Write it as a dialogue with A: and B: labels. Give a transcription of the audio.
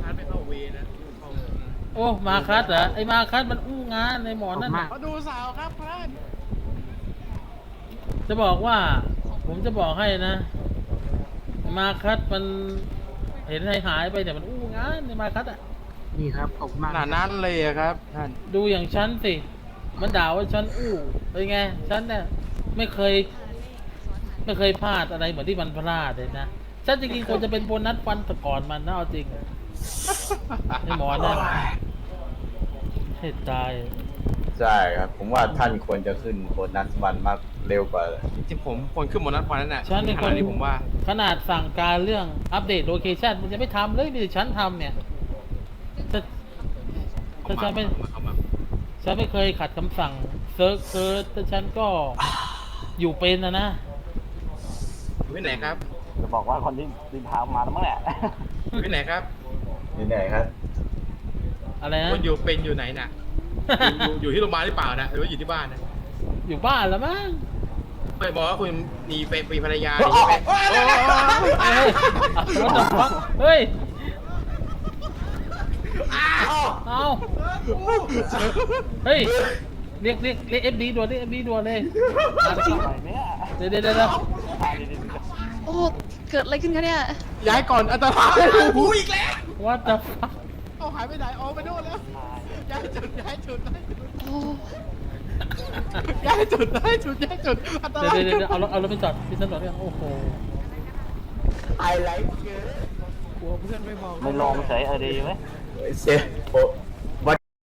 A: คัสไม่เข้าเวนะเข้า
B: โอ้มาคัสเหรอไอ้มาคัสมันอู้งานในหมอนนั่นน่ะ
A: มาดูสาวครับพระ
B: จะบอกว่า ผมจะบอกให้นะมาคัสมันเห็นหายไปแต่มันอู้งานในมาคัสอ่ะ
C: นี่ครับขอบคุณมาก
A: ขนาดนั้นเลยอะครับท่าน
B: ดูอย่างฉันสิมันด่าว่าฉันอู้เป็นไงฉันเนี่ยไม่เคยพลาดอะไรเหมือนที่มันพลาดเลยนะฉันจริงๆควรจะเป็นโบนัสฟันแต่ก่อนมันนะเอาจริงไอ้หมอนั่นให้ตาย
D: ใช่ครับ ผมว่าท่านควรจะขึ้นโบนัสวันมากเร็วกว่า
A: จริงผมคนขึ้นบนนัดวันนั้นน่ะ
B: ฉันเป็น
A: ข
B: ค
A: ณะ
B: น
A: นี้ผมว่า
B: ขนาดสั่งการเรื่องอัปเดตโลเคชันมันจะไม่ทำเลยมีแต่ฉันทำเนี่ยถ้าฉันไม่เคยขัดคำสั่งเซิร์ชแต่ฉันก็อยู่เป็นนะ
A: อยู่ที่ไหนครับ
E: จะบอกว่าคนที่ดินทางมาแล้วมั้งแหละ
A: อยู่ที่ไหนครับ
D: นี่ไหนครับ
B: อะไรนะ
A: คนอยู่เป็นอยู่ไหนน่ะอยู่ที่โรงพยาบาลหรือเปล่านะหรือว่าอยู่ที่บ้านนะ
B: อยู่บ้านแล้วมั้ง
A: ไม่บอกว่าคุณมีภรรยา
B: เฮ้ยรถตกฟักเฮ้ยเอาเฮ้ยเรียกเอฟดีด่วนเรียกเอฟดีด่วนเลย
E: อะไรเนี่ย
B: เดี๋ยว
F: โอ้ เกิดอะไรขึ้นคะเนี่ย
A: ย้ายก่อนอันตรายหูอีกแล้ว
B: ว่าจะฟัก
A: เอาหายไปไหนอ๋อไปโน่นแล้วย้ายจุด
F: โอ้
A: ย้ายจุดอันตราย
B: เดี๋ยวเอารถไปจอดที่ถนนเนี่ยโอ้โห
D: ไอไลท์เกิ
A: กลัวเพื่อนไม่มอง
E: ไม่ลองเฉยดีไหม
D: เซฟโอ้วัด